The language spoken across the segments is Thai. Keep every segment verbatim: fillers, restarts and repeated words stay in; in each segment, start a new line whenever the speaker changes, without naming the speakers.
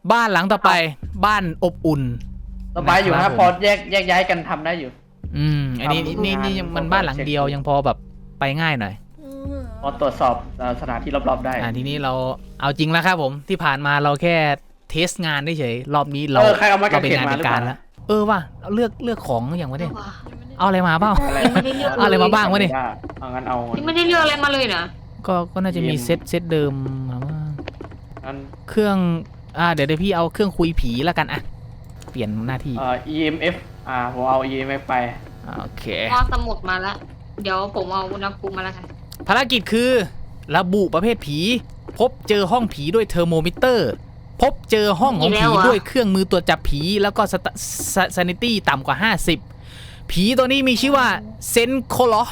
บ้านหลังต่อไปบ้านอบอุ่น
สบายอยู่ครับพอแยกแยกย้ายกันทำได้อยู่
อืมอันนี้นี่นี่ยังมันบ้านหลังเดียวยังพอแบบไปง่ายหน่อย
พอตรวจสอบสถานที่รอบๆได้
อ่าทีนี้เราเอาจริงแล้วครับผมที่ผ่านมาเราแค่เทสงานเฉยรอบนี้เรา
เรา
เป็นงานเป็นการแล้วเออว่ะเลือกเลือกของอย่างวะเนี่ยเอาอะไรมาเปล่าเอาอะไรมาบ้างวะเนี่ย
เอางั้นเอา
ไม่ได้เลือกอะไรมาเลยนะ
ก็ก็น่าจะมีเซตเซตเดิมมาว่าเครื่องอ่าเดี๋ยวเดี๋ยวพี่เอาเครื่องคุยผีแล้วกันอ่ะเปลี่ยนหน้าที่
เอ่อ อี เอ็ม เอฟ อ่าผมเอา อี เอ็ม เอฟ ไป
โอเค
พอสมุดมาแล้วเดี๋ยวผมเอาอุณหภูมิมาแล้วกัน
ภารกิจคือระบุประเภทผีพบเจอห้องผีด้วยเทอร์โมมิเตอร์พบเจอห้องของผีด้วยเครื่องมือตรวจจับผีแล้วก็ซานิตี้ต่ำกว่าห้าสิบผีตัวนี้มีชื่อว่าเซนโคลอ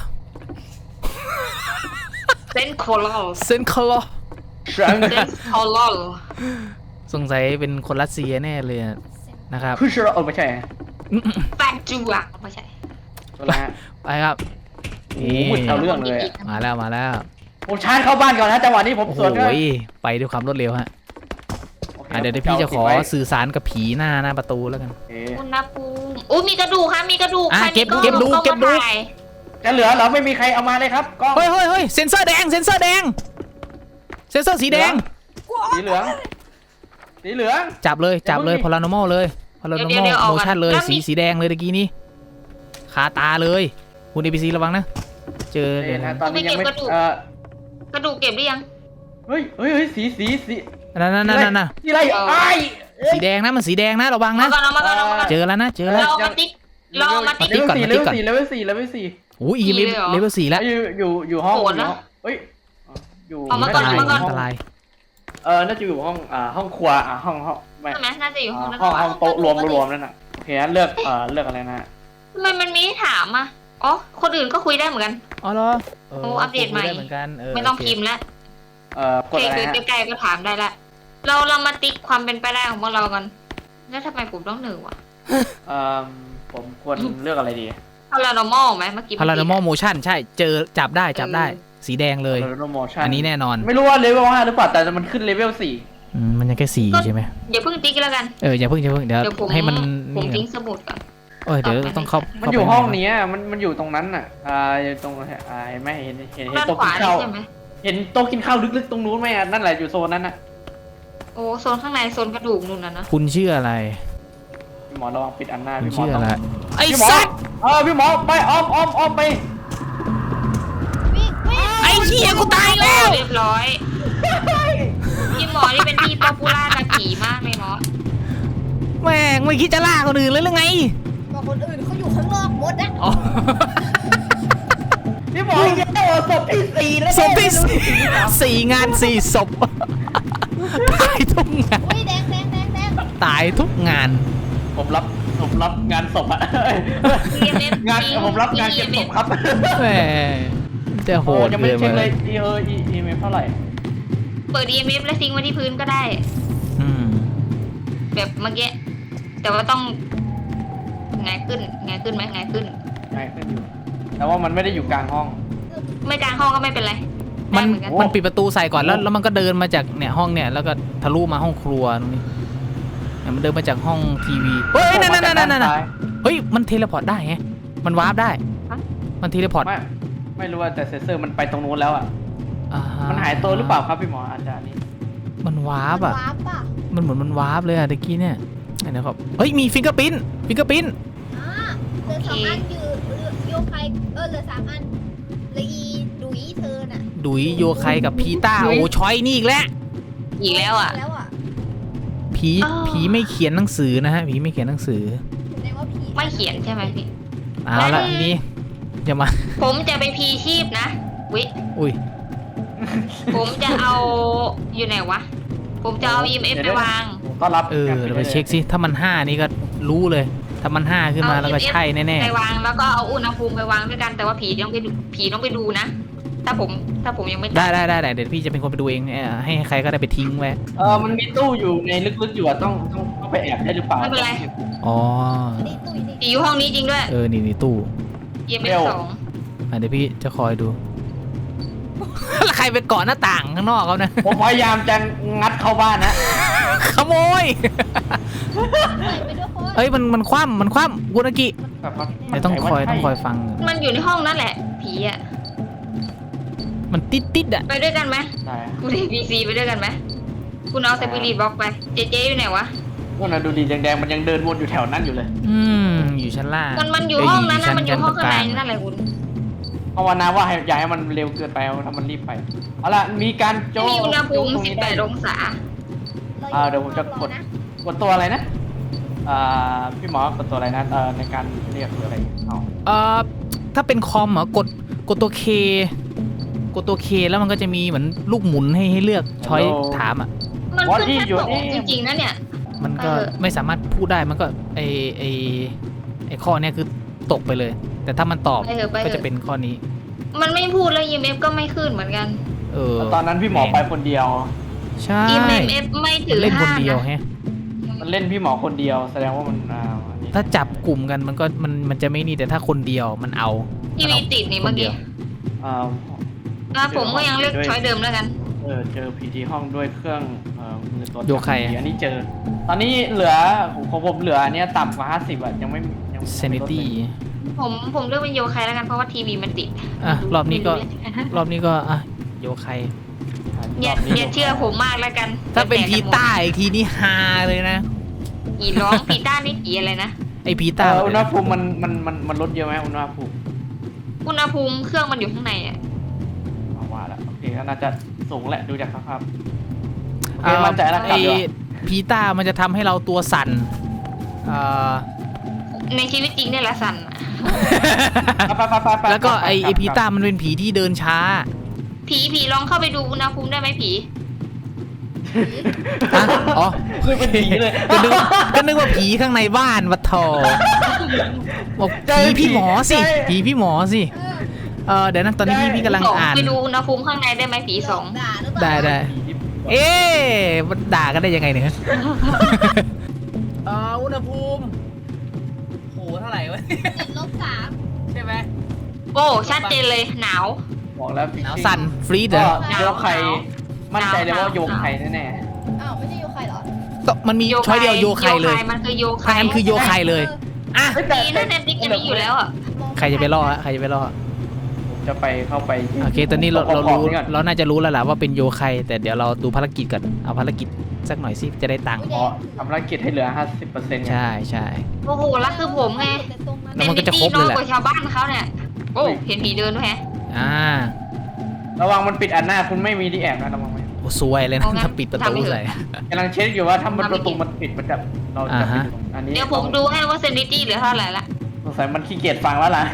เซนโคลอ
เซนโคลอ
เซนโคลอ
สงสัยเป็นคนรัสเซียแน่เลยนะครับ
คือเชื่อเออไม่ใช่
แฟนจูอ่ะไม่ใช่
ไปครับ
นี่เอาเรื่องเลย
มาแล้วมาแล้ว
ผมชาร์จเข้าบ้านก่อนนะจังหวะนี้ผมสวน
โอ้ยไปด้วยความรวดเร็วฮะเดี๋ยวพี่จะขอสื่อสารกับผีหน้าหน้าประตูแล้วกัน
อุณหภูมิโอ้มีกระดูกค่ะมีกระดูก
เก็บเก็บดูเก็บดู
จะเหลือเหรอไม่มีใครเอามาเลยครับก็
เฮ้ยเฮ้ยเฮ้ยเซนเซอร์แดงเซนเซอร์แดงเซนเซอร์สีแดง
สีเหลืองสีเหลือง
จับเลยจับเลยพลานอมอลเลยพลานอมอลโมชั่นเลยสีสีแดงเลยตะกี้นี้คาตาเลยคุณเอพีซีระวังนะเจอเลยนะ
ตอนนี้ยังไม่เอ
อกระดูกเก็บหรือยัง
เฮ้ยเฮ้ยเฮ้ยสีสีสี
นั่นนั่นนั่นนั่น
สีอะไรไอ้
สีแดงนะมันสีแดงนะระวังนะเจอแล้วนะเจอแล้ว
เรามาติ๊กเรามาติ๊ก
ก่อนเลเวลสี่เลเวลสี่เลเวลสี่
โอ้ยอีเลเวลสี่แล้ว
อยู่อยู่อยู่ห้องเฮ้ยอยู่
อัน
ตราย
เออน่าจะอยู่ห้องอ่าห้องครัวอ่าห้องห้อง
ไม่ใช่ไหมน่าจะอยู่ห้อง
ห้องห้องโต๊ะรวมรวมนั่นน่ะโอเคเลือกเอ่อเลือกอะไรนะ
ทำไมมันมีถามอ่ะอ๋อคนอื่นก็คุยได้เหมือนกัน
อ๋อเหรอ
โอ้อัปเดตใหม่
เหมือนกัน
ไม่ต้องพิมพ์แล้ว
เอ่อกดอะไรฮะ
ใกล้ๆก็ถามได้ละเราเรามาติ๊กความเป็นไปได้ของพวกเรากันแล้วทำไมผมต้องหนึ่งวะ
เอ่อผมควรเลือกอะไรดี
พารานอมอลไหมเมื่อกี้
พารานอมอลโมชั่นใช่เจอจับได้จับได้สีแดงเลยอันนี้แน่นอน
ไม่รู้ว่าเลเวลห้าหรือเปล่าแต่มันขึ้นเลเวลสี่
มันยังแค่สี่ใช่ไหม
อย่าเพิ่งติ๊กแล้วกัน
เอออย่าเพิ่งอย่าเพิ่งเดี๋ยวให้มัน
ผมทิ้งสมุดก่อน
เออเดี๋ยวต้องเข้า
มันอยู่ห้องนี้มันมันอยู่ตรงนั้นอ่ะอ่าตรงอ่าไม่เห็นเห็นเห็นโต๊ะกินข้าวเห็นโต๊ะกินข้าวลึกๆตรงนู้นไหมอ่ะนั่นแหละอยู่โซนนั้นน่ะ
โอ้โซนข้างในโซนกระดูกนู่นน่ะนะ
คุณชื่ออะไร
พี่หมอระวังปิดอันหน้า
พี่หมอชื่ออะไรไอ้
สัตว์เออพี่หมอไปอ้อมอ้อมอ้อมไป
ไอ้เหี้ยกูตายแล้ว
เรียบร้อยพี่หมอนี่เป็นที่ป๊อปปูล่าตะขี่มากเลยเนาะ
แม่งไม่คิดจะล่าคนอื่นเลยหรือไง
ก็คนอื่นเขาอยู่ข้างนอกหมดนะ
พี่หมอยังได้ศพที่สี่แล้ว
ศพที่สี่สี่งานสี่ศพตายทุกงาน
แดงแดงแดงแดง
ตายทุกงาน
ผมรับผมรับงานศพอะงานผมรับงานเก็บศพครับ
แหมจะโหด
ยังไม่เช็คเลยเอออีอีเมลเท่าไหร่
เปิด อี เอ็ม เอฟ แล้วทิ้งไว้ที่พื้นก็ได้แบบเมื่อกี้แต่ว่าต้องไงขึ้นไงขึ้นไหมไงขึ้น
ไงขึ้นอยู่แต่ว่ามันไม่ได้อยู่กลางห้อง
ไม่กลางห้องก็ไม่เป็นไร
มันมันปิดประตูใส่ก่อนแล้วแล้วมันก็เดินมาจากเนี่ยห้องเนี่ยแล้วก็ทะลุมาห้องครัวตรงนี้มันเดินมาจากห้องทีวีเฮ้ยนั่นนั่นนั่นนั่นเฮ้ยมันเทเลพอร์ตได้ไงมันวาร์ปได้มันเทเลพอร์ต
ไม่ไม่รู้ว่าแต่เซนเซอร์มันไปตรงนู้นแล้วอ่ะมันหายตัวหรือเปล่าครับพี่หมออาจารย์นี่
มันวาร์ปอ่ะมันเหมือนมันวาร์ปเลยอ่ะตะกี้เนี่ยนะครับเฮ้ยมีฟิงเกอร์ปิ้นฟิงเกอร์ปิ้น
อ่าเหลือสองอันอยู่โยไคเออเหลือสามอันเหลืออีดุยเธอน่ะ
ดุยโยไคกับพีต้าโอ้ชอยนี่อีกแล้ว
อีกแล้วอ่ะ
ผีผีไม่เขียนหนังสือนะฮะผีไม่เขียนหนังสือ
ไม่เขียนใช่ไหมพี่
เอาละทีนี้จะมา
ผมจะไปพีชีพนะวิ
อุ้ย
ผมจะเอาอยู่ไหนวะผมจะเอา อี เอ็ม เอฟ ไปวาง
ก็รับ
เออเราไปเช็คสิถ้ามันห้านี่ก็รู้เลยถ้ามันห้าขึ้นมาแล้วก็ใช่แน่
ๆไปวางแล้วก็เอาอุณหภูมิไปวางด้วยกันแต่ว่าผีต้องไปผีต้องไปดูนะถ้าผมถ้าผมยังไม่
ได้ได้ได้เดี๋ยวพี่จะเป็นคนไปดูเองให้ใครก็ได้ไปทิ้งไว้
เออมันมีตู้อยู่ในลึกๆอยู่อะต้องต้องต้องไปแอบได้หรือเปล่า
ไม่เป็นไร
อ๋อ
ผีอยู่ห้องนี้จริงด้วย
เออนี่นี่ตู้
อี เอ็ม เอฟ สอง
เดี๋ยวพี่จะคอยดูแล้วใครไปเกาะหน้าต่างข้างนอกเขานะ
ผมพยายามจะงัดเข้าบ้านนะ
ขโมยย
ใส่ไปด้วยคน
เอ้ยมันมันคว่ำมันคว่ำกุนากิ
แบบว่า
เดี๋ยวต้องคอยต้องคอยฟัง
มันอยู่ในห้องนั่นแหละ ผีอ่ะ
มันติดติดๆอะ
ไปด้วยกันไหม
ได้
คุณเอพีซีไปด้วยกันไหมคุณเอาสปิริตบล็อกไป เจเจอยู่ไหนวะ
ว่าน่ะดูดีแดงๆมันยังเดินวนอยู่แถวนั้นอยู่เลย
อืมอยู่ชั้นล่าง
มันมันอยู่
เ
ห้องนั้นนะมันอยู่ห้องข้างใน
ชั้
นั่นแหละคุณ
ภาวนาว่าให้อย่าให้มันเร็วเกินไปถ้ามันรีบไปเอาล่ะมีการโจ
มีอุณหภูมิ
โจตรงนี้ได้
สิบแปดองศา
อ่าเดี๋ยวผมจะกด กดตัวอะไรนะอ่าพี่หมอกดตัวอะไรนะเอ่อในการเรียกหรืออะไรเอา
เอ่อถ้าเป็นคอมเหรอกดกดตัวเคกดตัวเคแล้วมันก็จะมีเหมือนลูกหมุนให้ให้เลือกช้อยถามอ่ะ
มันขึ้นแค่สองจริงๆนะเนี่ย
มันก็
เออ
ไม่สามารถพูดได้มันก็ไอไอไอข้อเนี้ยคือตกไปเลย แต่ถ้ามันตอบ
ไปเถอะไป
ก็
เถ
จะ
อะ
เป็นข้อนี้
มันไม่พูดแล้ว อี เอ็ม เอฟ ก็ไม่ขึ้นเหมือนกัน
เออ
ตอนนั้นพี่หมอไปคนเดียว
ใช่
อี เอ็ม เอฟ ไม่
มั
ถื
น
อ
เล่นคน
ห้า
เดียว
นะ
แฮะ
มันเล่นพี่หมอคนเดียว แสดงว่ามันอ่าอันนี้
ถ้าจับกลุ่มกันมันก็มันมันจะไม่นี่แต่ถ้าคนเดียวมันเอา
ทีวีติดนี่เมื่อกี้
อ่า
แล้วผมก็ยังเลือกช้อยเดิมแล้วกัน
เออเจอผีที่ห้องด้วยเครื่องเอ่อมือตัวจับ
โยไค
ผีอันนี้เจอ ตอนนี้เหลือของผมเหลืออันเนี้ยต่ำกว่าห้าสิบอ่ะยังไม่ยัง
เซนิตี้
ผมผมเลือกเป็นโยคายแล้วกันเพราะว่าทีวีมันติด
อ่ะรอบนี้ก็
ไม่รู้
รอบนี้ก็อ่ะโยไค
อย่าอย่าเชื่อผมมากแล้วกัน
ถ้าเป็นพีต้าอีกทีนี่ฮาเลยนะ
ผีร้องผีต้านี่ผีอะไรนะ
ไอพี
เอ่
ต้า
ออุณหภูมิมันมันมันมันลดเยอะไหมอุณหภูมิ
อุณหภูมิเครื่องมันอยู่ข้างในอ่ะ
เอาว่าแล้วโอเคก็น่าจะสูงแหละดูจากสภาพโอเค
เอ่อ
มั่นใจแล้วก
ไอ
ลับดีกว่า
พีต้ามันจะทำให้เราตัวสั่นเอ่อ
ในชีวิตจริงเนี่ยละสันอะ
ไปไปไปไป
แล้วก็ไอไอ
ลับ
พีต้ามันเป็นผีที่เดินช้า
ผีผีลองเข้าไปดูอุณหภูมิได้ไหมผี
อ่ะอ๋อ
คือเป็นผีเลย
ก็นึกว่าก็นึกว่าผีข้างในบ้านวัดทอบอกผีพี่หมอสิผีพี่หมอสิเออเดี๋ยวนะตอนนี้พี่พี่กำลัง
สอง
อ่าน
ไปดูอุณหภูมิข้างในได้ไหมผีสอง
ด่าหรือเปล่า
ได้ได้
ผีที่
เอ๊ะมันด่ากันได้ยังไงเนี่ยเอออุณหภูมิโหเท่าไหร่วะ
ติดลบสาม
ใช่ไหม
โอ้ชัดเจนเลยหนาว
บอกแล้ว
หนาวสั่นฟรีดเหร
ก็
อ
โยกไข่มั่นใจเลยว่า
หนาว
โยกไข่แน่
อ้าวไม่ใช่โยใครเหรอ
ก็มันมีช้อยเดียวโยไคเลย
มันคือโยไค
ถ้างั้นคือโยไคเลยอ่ะ
ๆเฮ้ยแต่
ดีนะเน็ตฟิกจะมีอยู่แล้วอ่ะ
ใครจะไปล่อฮะใครจะไปล่อ
ผมจะไปเข้าไป
โอเค ตอนนี้เราเรา
ขอ
รู้
งนี่ก่อน
เราน่าจะรู้แล้วแหละว่าเป็นโยไคแต่เดี๋ยวเราดูภารกิจก่อน เอาภารกิจสักหน่อยสิจะได้ตังค์
อ๋อทำภารกิจให้เหลือ ห้าสิบเปอร์เซ็นต์
ใช่ใช่
โอ้โหแล้วคือผมไง
แล้วมันก็จะครบเลยแหละ
ป็นมิตตี้น้อยกว่าชาวบ้านเขาเนี่ยโอ้เห็นผีเดินด้วยแฮะ
อ่า
ระวังมันปิดอันหน้าคุณไม่มีที่แอบนะระวังไหม
โอ้สวยเลยนะ
เอางั้น
ถ้าปิดประตู
ทำไม่ถึง
ใส่
กำลังเช็คอยู่ว่าถ้ามัน
ทำไม่
ประตู
เก็บ
มันปิดมันจะเรา
อ่า
จะไป
ฮะ
ดูอันนี้
เดี๋ยวผมดูให้ว่าเซนิตี้เหลือเท่าไหร่ละ
สงสัยมันขี้เกียจฟังแล้วล่ะ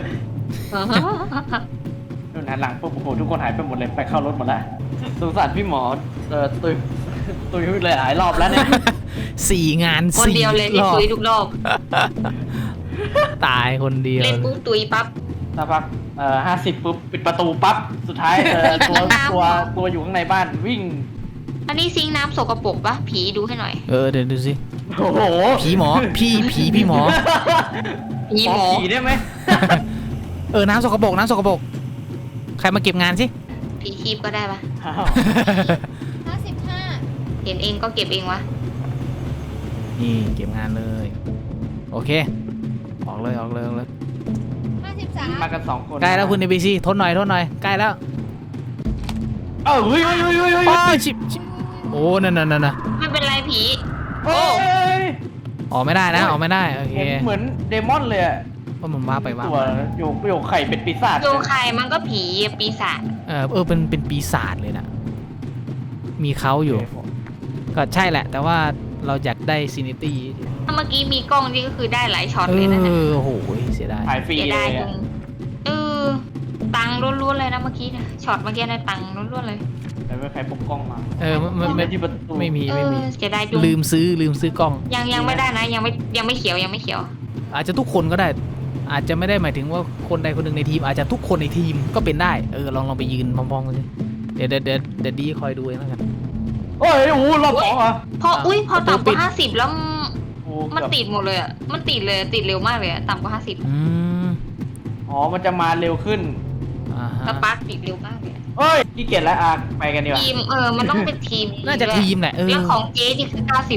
นู่นหันหลังปุ๊บโอ้โหทุกคนหายไปหมดเลยไปเข้ารถหมดแล้วสงสารพี่หมอเอ่อตุยตุยเลยหลายรอบแล้วเนี่ย
สี่งาน
คน
สี่
เดียวเลยที่
รอบ
ตุยทุกรอบ
ตายคนเดียว
เล่นปุ๊บตุยปั๊บ
สักพักเอ่อห้าสิบปุ๊บปิดประตูปั๊บสุดท้ายเอ่อตัว
น้ำ
ตัวตัวอยู่ข้างในบ้านวิ่ง
อันนี้ซิงค์น้ำสกปรกปะผีดูให้หน่อย
เออเดี๋ยวดูสิ
โอ้โห
ผีหมอพี่ผีพี่หมอ
ผีหมอ
ผีได้ไหม
เออน้ำสกปรกน้ำสกปรกใครมาเก็บงานสิ
ผีคีบก็ได้ปะ
อ้าว
ห้าสิบห้า
เห็นเองก็เก็บเองวะ
นี่เก็บงานเลย โอเค ออกเลยออกเลยออกเลย
ห้าสิบสาม
มากันสองคน
ใกล้แล้วคุณเอบีซีทนหน่อยทนหน่อยใกล้แล้ว
เออเฮ้ยเฮ้ยเฮ้ยเฮ้ยเฮ้ย
โอ้ยชิบชิบโอ้นั่นนั่นนั่นนะ
ไม่เป็นไรผี
โอ้ย
ออกไม่ได้นะออกไม่ได้โอเค
เห็นเหมือนเดมอนเลยอะ
ว่ามันว้าไปว้า
ตัว
มา
โยกโยกไข่เป็นปีศาจ
โยไคมันก็ผีปีศาจ
เออเออเป็นเป็นปีศาจเลยนะมีเขาอยู่ ก็ใช่แหละ แต่ว่าเราอยากได้ซินิตี้
ถ้าเมื่อกี้มีกล้องนี่ก็คือได้หลายช็อต
เอ
เลยนะเนี่ย
อโอ้โหเสียดาย
ขายฟรี
เสีย
เล
ดาย
ย
ตร
อะ
งเออตังค์ล้วนๆเลยนะเมื่อกี้เนี่ยช็อตเมื่อกี้เนี่ยตังค์ล้วนๆเลย
แต่ไม่ใครพกกล้องมา
เออไม่ไม่
ไม่
ไม่
ที่ประตู
ไม่มี
เอ
ไม่
อ
มี
เสียดายจุง
ลืมซื้อลืมซื้อกล้อง
ยังยังไม่ได้นะยังไม่ยังไม่เขียวยังไม่เขียว
อาจจะทุกคนก็ได้ อาจจะไม่ได้หมายถึงว่าคนใดคนหนึ่งในทีม อาจจะทุกคนในทีมก็เป็นได้เออลองลองไปยืนพร้อมๆกันสิเดี๋ยวเดี๋ยวเดี๋ยวเดี๋ยวดีคอยดูเองแล้วกัน
โอ้ยโอ้โหรอบสองเหรอ
พออุ้ยพอ
ประตู
ต่ำก
ปิด
ว่าห้าสิบแล้ว
โอ้
มัน
เกือบ
ติดหมดเลยอ่ะมันติดเลยติดเร็วมากเลยอะต่ำกว่าห้าสิบ
อืม
อ๋อมันจะมาเร็วขึ้น
อ่า
ส
ฮะ
ปาร์คติดเร็วมากเลยอะ
เอ้ยขี้เกียจแล้วอ่ะไปกันดีกว่า
ทีมเออมันต้องเป็นทีม
น่าจะทีมแหละเออ
แล้วของเจ๊นี่คือเก้าสิบ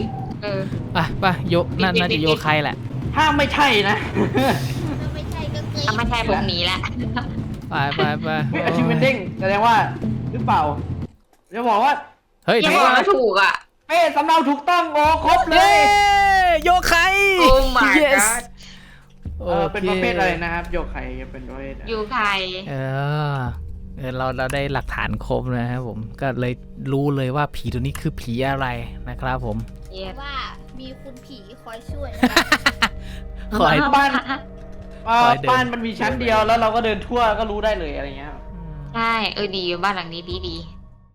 เออ
ไปไปโยน่าน่าจะโยใครแหละ
ถ้าไม่ใช่นะ
ถ้าไม่ใช่ก็เกย
ถ้าไม่ใช่ผมหนีแล้ว
ไปไปไป
เฮ้ยอาชีพเป็นเด้งแสดงว่าหรือเปล่าจะบอกว่า
เฮ้ย
ยัง
ถู
บ
ก
อกว่าถูกอ่ะ
เป้สำเนาถูกต้องโอ้ครบเล
เย้
ย
โยใคร
โอ้ my
yes
god
เออเป็นประเภทอะไรนะครับโยกไข่เป็นประเภท
อยู่ใคร
เออเออเราเราได้หลักฐานครบนะครับผมก็เลยรู้เลยว่าผีตัวนี้คือผีอะไรนะครับผม
เย็ด
ว่ามีคุณผีคอยช่วย
ขอให้
บ้านเออ
คอยเดิน
บ้านมันมีชั้นเดียวแล้วเราก็เดินทั่วก็รู้ได้เลยอะไรเงี้ย
ใช่เออดีบ้านหลังนี้ดีดี